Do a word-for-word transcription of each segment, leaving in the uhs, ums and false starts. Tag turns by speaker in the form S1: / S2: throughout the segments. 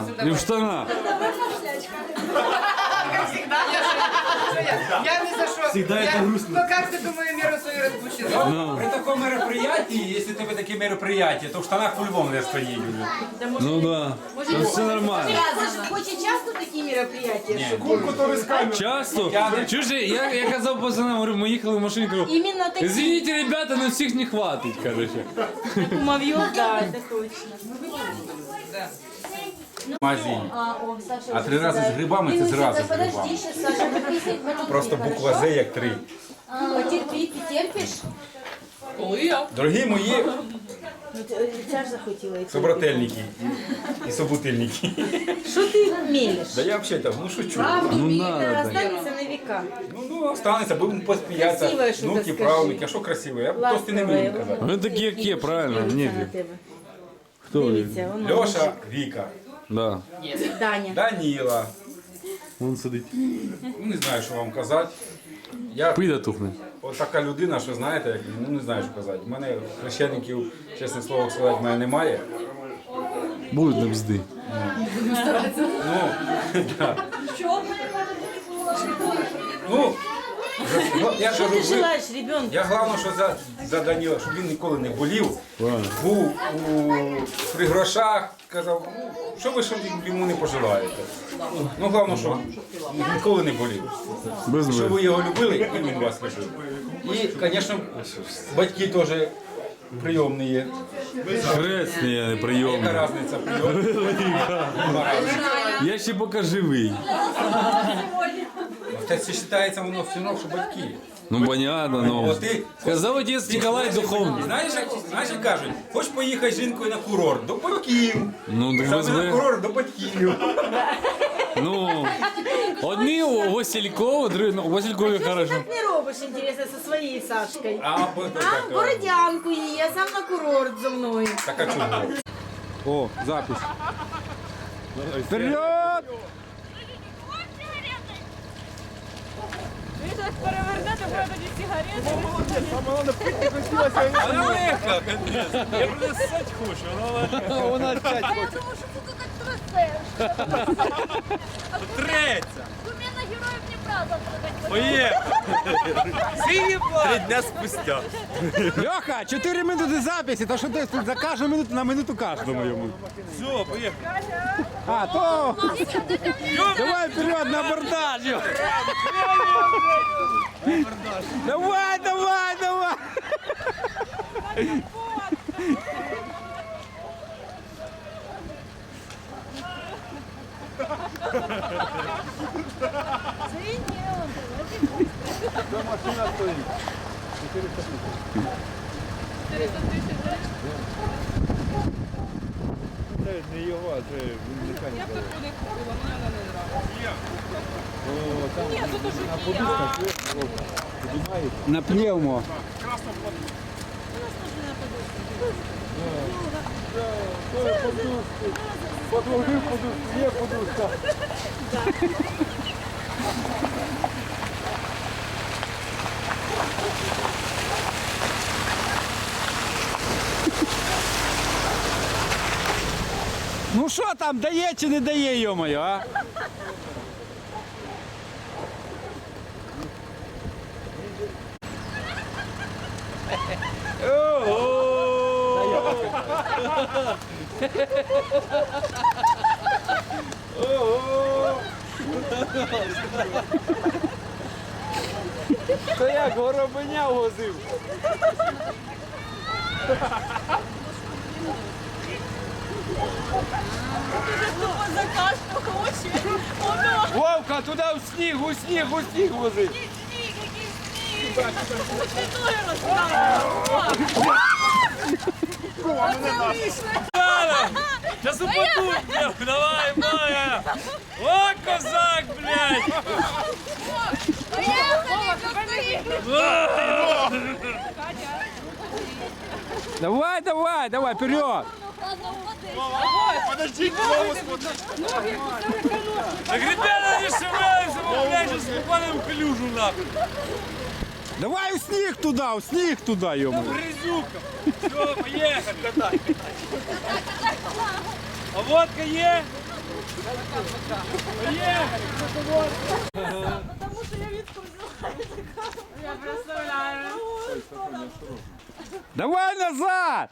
S1: И в штанах.
S2: Как всегда. Я ни за что.
S3: Всегда это грустно.
S2: Ну как ты, думаю, меру свою распущена?
S4: При такому мероприятии, если тебе таке мероприятие, то в штанах по-любому не стоїть уже.
S1: Ну да. Ну, все нормально.
S5: Очень часто такие мероприятия?
S1: Часто? Чуєш, я, я казав пацанам, говорю, ми їхали в машині, кажу,
S5: Именно такие.
S1: извините, ребята, но всіх не хватить, короче.
S5: Кумовьев, да, это точно.
S4: Магазин.
S5: А, о, Саша,
S4: А три рази з грибами це
S5: Ты
S4: зразу з
S5: подожди,
S4: грибами.
S5: сейчас, Саша, потерпи,
S4: Просто буква З як три.
S5: Потерпи, ты терпишь?
S4: Дорогі мої
S5: Ну, ты- Ця ж захотіла. йти.
S4: собрательники і, і собутильники.
S5: Що ти мелеш?
S4: Да я взагалі там, ну шучу.
S1: Ну надо так.
S5: Останется на века.
S4: Ну, ну останеться, будемо посміятися.
S5: Красиве, що
S4: Внуки,
S5: ти
S4: правнуки, а що красиве? Я просто не вмію казати.
S1: Вони такі, як є, правильно,
S5: Дивиться
S1: ні.
S5: на тебе.
S1: Хто він?
S5: Дивіться, воно.
S4: Льоша, Віка,
S1: Да.
S5: Даня.
S4: Даніла.
S1: Він сидить.
S4: Ну, не знаю, що вам казати. Я
S1: Пида тухне.
S4: от така людина, що знаєте, як, ну не знаю, що казати. У мене хрещеників, чесне слово сказати, в мене немає.
S1: Будуть на бзди.
S4: Ну, да. Ну, ну, я
S5: Що
S4: кажу,
S5: ти
S4: ви-
S5: желаєш ребенку?
S4: я головне, що за, за Даніла, щоб він ніколи не болів,
S1: Правильно.
S4: був у, при грошах, казав, ну, що ви що йому не пожелаєте. Ну, головне, що ніколи не болів.
S1: Без
S4: Що
S1: ви.
S4: ви його любили, і він вас любив. І, звісно, батьки теж прийомні є.
S1: Хресний, я не
S4: Яка
S1: прийомний.
S4: різниця прийомні?
S1: Я ще поки живий.
S4: Це вважається воно все одно, що батьки.
S1: Ну понятно, ну.
S4: От ти-
S1: Сказав отець Ніколай Духовний.
S4: Знаєш, як, знаєш, як кажуть, хочеш поїхати з жінкою на курорт, до батьків.
S1: Ну так без
S4: Саме на
S1: ви.
S4: курорт до батьків.
S1: Ну, одні у Василькова, другі, ну, у Василькові хорошо.
S5: Так не робиш, інтересно, зі своєю Сашкою.
S4: А, бо-
S5: А,
S4: так,
S5: бородянку її, я сам на курорт зі мною.
S4: так, а чого?
S1: О, запись. Вперед!
S6: Ви щось перевернете, буде тоді сигарети.
S1: Вона опять
S6: А я думаю, що ти тут так трясеш.
S7: Треться!
S6: Кумена героїв Дніпра завтра.
S7: Поїхали! Три дня спустя.
S3: Льоха, чотири минути записі, то що ти тут за кожну минуту на минуту кожному йому.
S7: Все, поїхали.
S3: А, то... Давай вперед на абордаж! йо. Давай, давай, давай! Не його, а це механіка.
S6: Я б таку не купила, мені вона не нравиться. Ні, тут уже є.
S3: На пневмо. Подложив подушку, є подушка. Ну що там, дає чи не дає, йо-моє, а? То як горобеня возив.
S6: Тупо закашляв хоче. Воно.
S3: Вовка, туди в сніг, у сніг, у сніг возив.
S6: Сніг, який сніг. Ти ноги розправив.
S7: Сейчас упаду, давай, Майя! О, козак, блядь!
S3: Давай, давай, давай, вперед.
S7: Подожди, так, ребята, не шевелимся, мы, блядь, сейчас попадем в калюжу, нахуй.
S3: Давай у сніг туди, у сніг туди, йому.
S7: Грязюка. Все, поехали. А водка есть?
S3: Давай назад!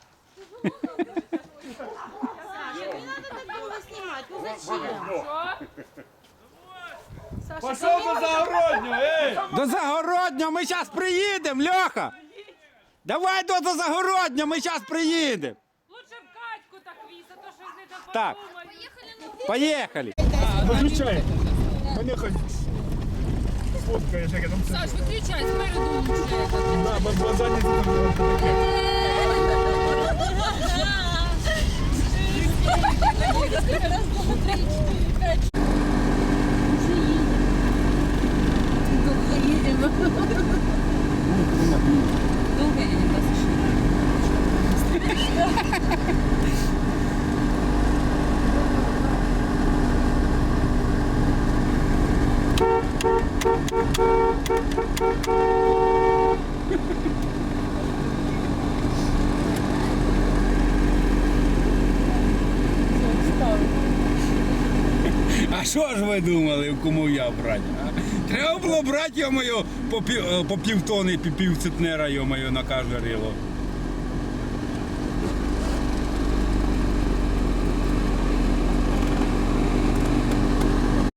S7: Пошел до загороднього, ей!
S3: До Загороднього ми зараз приїдемо, Льоха! Давай до, до Загороднього, ми зараз приїдемо!
S8: Лучше в Катьку так віса, то що з не
S3: Так.
S8: подумають.
S3: Поїхали!
S6: Виключай. Поїхали. Сфоткаєш, як я там
S8: Саш, виключай, спереду лучше.
S6: Да, бо бо задні там таке.
S3: А що ж ви думали, кому я брати? А? Треба було брати, йо-моє, по, пів, по півтони, пів центнера, йо-моє, на кожне рило.